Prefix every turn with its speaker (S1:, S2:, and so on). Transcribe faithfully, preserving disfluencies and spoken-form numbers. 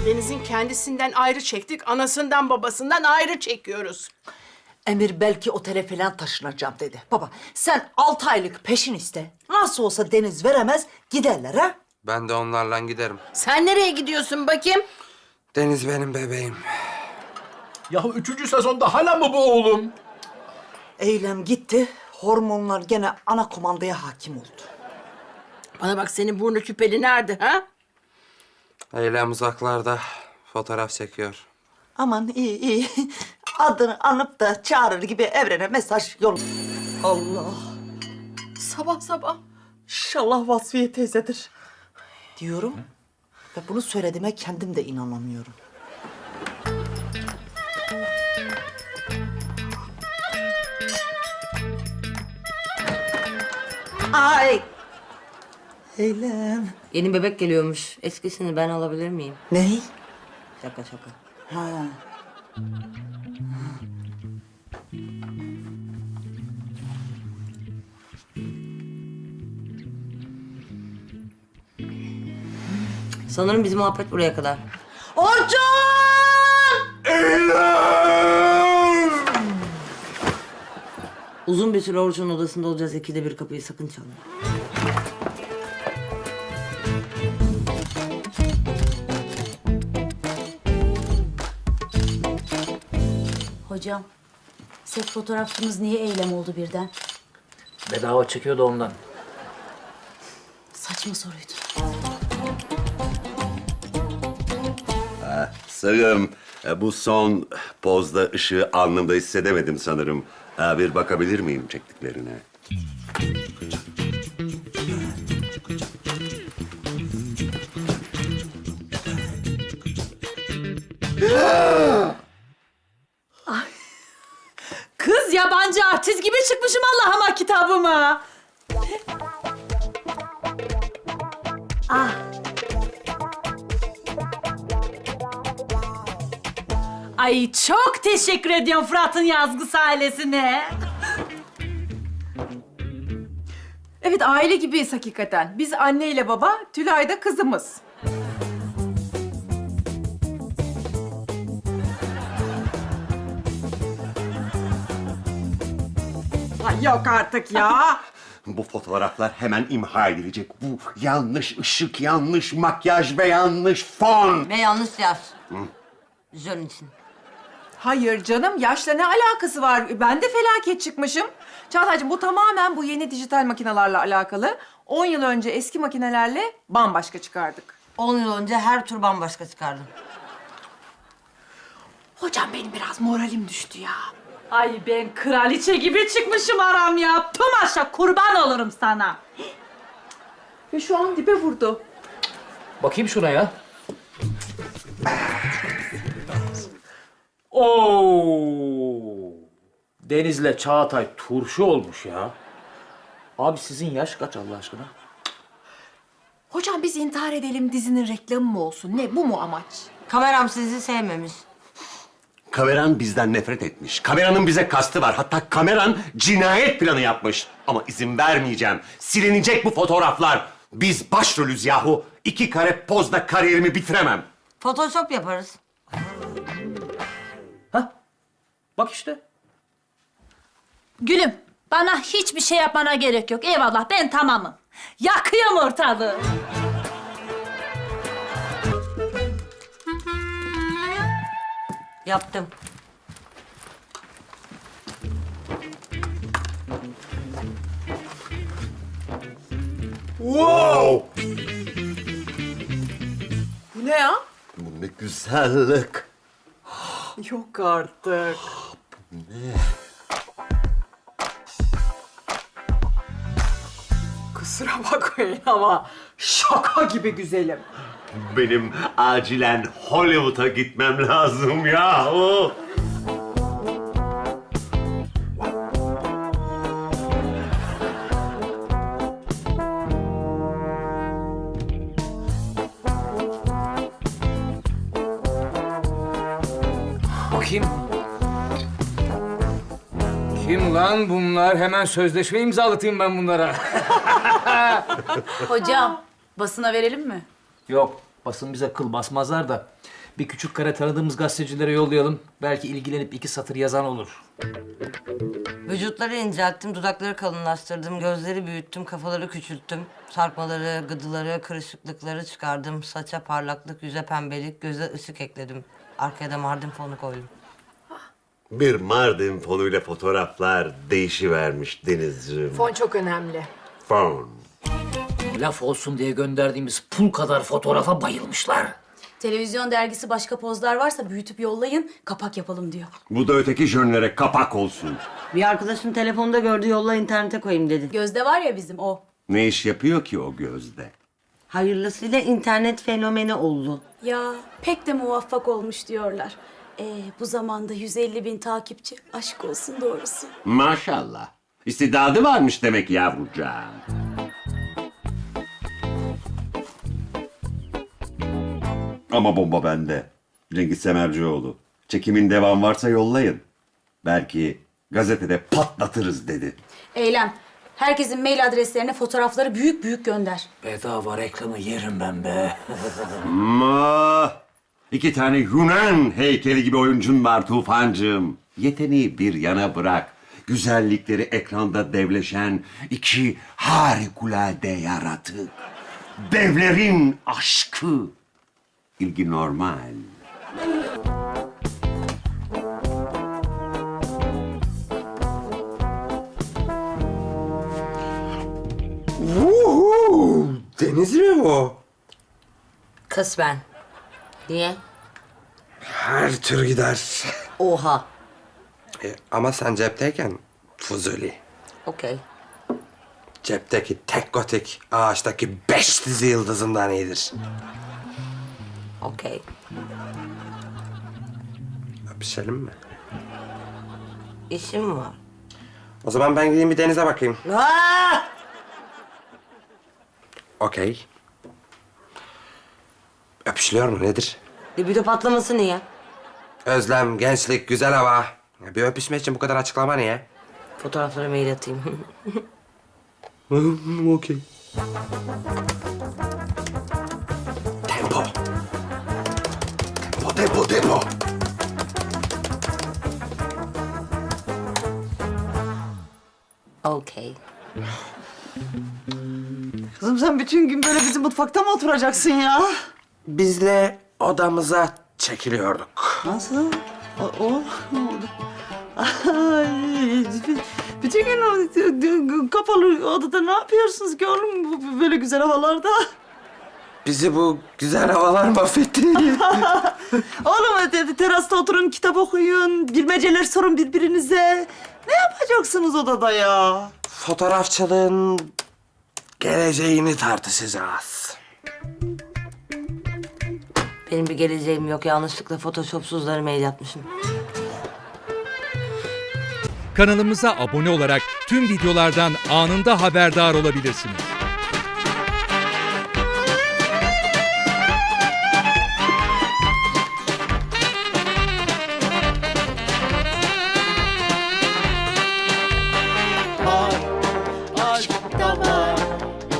S1: Deniz'in kendisinden ayrı çektik, anasından babasından ayrı çekiyoruz.
S2: Emir belki otele falan taşınacağım dedi. Baba sen altı aylık peşin iste. Nasıl olsa Deniz veremez giderler ha.
S3: Ben de onlarla giderim.
S1: Sen nereye gidiyorsun bakayım?
S3: Deniz benim bebeğim.
S4: Ya üçüncü sezonda hala mı bu oğlum?
S2: Eylem gitti. Hormonlar gene ana komandaya hakim oldu.
S1: Bana bak, senin burnu küpeli nerede ha?
S3: Eylem uzaklarda fotoğraf çekiyor.
S2: Aman iyi iyi. Adını anıp da çağırır gibi evrene mesaj yol. Allah. Sabah sabah. İnşallah Vasfiye teyzedir. Diyorum. Ve bunu söylediğime kendim de inanamıyorum. Ay. Eylem.
S5: Yeni bebek geliyormuş. Eskisini ben alabilir miyim?
S2: Ne?
S5: Şaka şaka.
S2: Ha.
S5: Sanırım bizim muhabbet buraya kadar.
S2: Orçun!
S5: Uzun bir süre Orçun'un odasında olacağız. İkide bir kapıyı sakın çalma.
S6: Hocam, set fotoğrafçımız niye Eylem oldu birden?
S4: Bedava çekiyor da ondan.
S6: Saçma soruydu.
S7: Sarım, e, bu son pozda ışığı alnımda hissedemedim sanırım. E, Bir bakabilir miyim çektiklerine?
S6: Kız yabancı artist gibi çıkmışım Allah'ıma kitabıma. Ah. Ay çok teşekkür ediyorum Fırat'ın yazgısı ailesine.
S8: Evet, aile gibiyiz hakikaten. Biz anne ile baba, Tülay da kızımız. Ay yok artık ya.
S7: Bu fotoğraflar hemen imha edilecek. Bu yanlış ışık, yanlış makyaj ve yanlış fon.
S5: Ve yanlış yaz. Jön için.
S8: Hayır canım, yaşla ne alakası var? Ben de felaket çıkmışım. Çağatay'cığım, bu tamamen bu yeni dijital makinelerle alakalı. On yıl önce eski makinelerle bambaşka çıkardık.
S5: On yıl önce her tur bambaşka çıkardım.
S8: Hocam benim biraz moralim düştü ya. Ay ben kraliçe gibi çıkmışım aram ya. Tomaşa kurban olurum sana. Ve şu an dibe vurdu.
S4: Bakayım şuna ya. Oo! Deniz'le Çağatay turşu olmuş ya. Abi sizin yaş kaç Allah aşkına?
S8: Hocam biz intihar edelim dizinin reklamı mı olsun? Ne, bu mu amaç?
S5: Kameram sizi sevmemiş.
S7: Kameran bizden nefret etmiş. Kameranın bize kastı var. Hatta kameran cinayet planı yapmış. Ama izin vermeyeceğim. Silinecek bu fotoğraflar. Biz başrolüz yahu. İki kare pozda kariyerimi bitiremem.
S5: Photoshop yaparız.
S4: Ha? Bak işte.
S6: Gülüm, bana hiçbir şey yapmana gerek yok. Eyvallah, ben tamamım. Yakıyorum ortalığı.
S5: Yaptım.
S7: Wow!
S8: Bu ne ya?
S7: Bu ne güzellik.
S8: Yok artık. Kusura bakmayın ama şaka gibi güzelim.
S7: Benim acilen Hollywood'a gitmem lazım yahu.
S9: Kim? Kim lan bunlar? Hemen sözleşme imzalatayım ben bunlara.
S6: Hocam, basına verelim mi?
S4: Yok, basın bize kıl basmazlar da. Bir küçük kare tanıdığımız gazetecilere yollayalım. Belki ilgilenip iki satır yazan olur.
S5: Vücutları incelttim, dudakları kalınlaştırdım, gözleri büyüttüm, kafaları küçülttüm. Sarkmaları, gıdıları, kırışıklıkları çıkardım. Saça parlaklık, yüze pembelik, göze ışık ekledim. Arkaya da Mardin fonu koydum.
S7: Bir Mardin fonuyla fotoğraflar değişivermiş Denizciğim.
S1: Fon çok önemli.
S7: Fon.
S4: Laf olsun diye gönderdiğimiz pul kadar fotoğrafa bayılmışlar.
S6: Televizyon dergisi başka pozlar varsa büyütüp yollayın, kapak yapalım diyor.
S7: Bu da öteki jönlere kapak olsun.
S5: Bir arkadaşım telefonda gördü, yolla internete koyayım dedi.
S6: Gözde var ya bizim o.
S7: Ne iş yapıyor ki o gözde?
S5: Hayırlısıyla internet fenomeni oldu.
S6: Ya pek de muvaffak olmuş diyorlar. Ee, bu zamanda yüz elli bin takipçi, aşk olsun doğrusu.
S7: Maşallah. İstidadı varmış demek yavrucağım. Ama bomba bende. Cengiz Semercioğlu. Çekimin devam varsa yollayın. Belki gazetede patlatırız dedi.
S6: Eylem, herkesin mail adreslerine fotoğrafları büyük büyük gönder.
S4: Bedava reklamı yerim ben be.
S7: Ama iki tane Yunan heykeli gibi oyuncun var Tufancığım. Yeteneği bir yana bırak. Güzellikleri ekranda devleşen iki harikulade yaratık. Devlerin aşkı. İlgi normal.
S3: Vuhu! Deniz mi bu?
S5: Kısmen. Niye?
S3: Her tür gider.
S5: Oha.
S3: E, ama sen cepteyken Fuzuli.
S5: Okey.
S3: Cepteki tek gotik ağaçtaki beş dizi yıldızından iyidir.
S5: Okey.
S3: Öpüşelim mi?
S5: İşim var.
S3: O zaman ben gideyim bir denize bakayım.
S5: Aa!
S3: Okey. Öpüşülüyor mu nedir?
S5: Libido patlaması niye?
S3: Özlem, gençlik, güzel hava. Ya bir öpüşme için bu kadar açıklama niye?
S5: Fotoğraflara mail atayım.
S3: Okey. Tempo. Tempo, tempo, tempo.
S5: Okey.
S2: Kızım sen bütün gün böyle bizim mutfakta mı oturacaksın ya?
S3: Bizle odamıza çekiliyorduk.
S2: Nasıl? O, o ne oldu? Ay, bütün gün o kapalı odada ne yapıyorsunuz ki oğlum bu böyle güzel havalarda?
S3: Bizi bu güzel havalar mahvetti.
S2: Oğlum te- terasta oturun, kitap okuyun, bilmeceler sorun birbirinize. Ne yapacaksınız odada ya?
S3: Fotoğrafçılığın geleceğini tartışacağız.
S5: Benim bir geleceğim yok. Yanlışlıkla photoshopsuzları mail atmışım.
S10: Kanalımıza abone olarak tüm videolardan anında haberdar olabilirsiniz.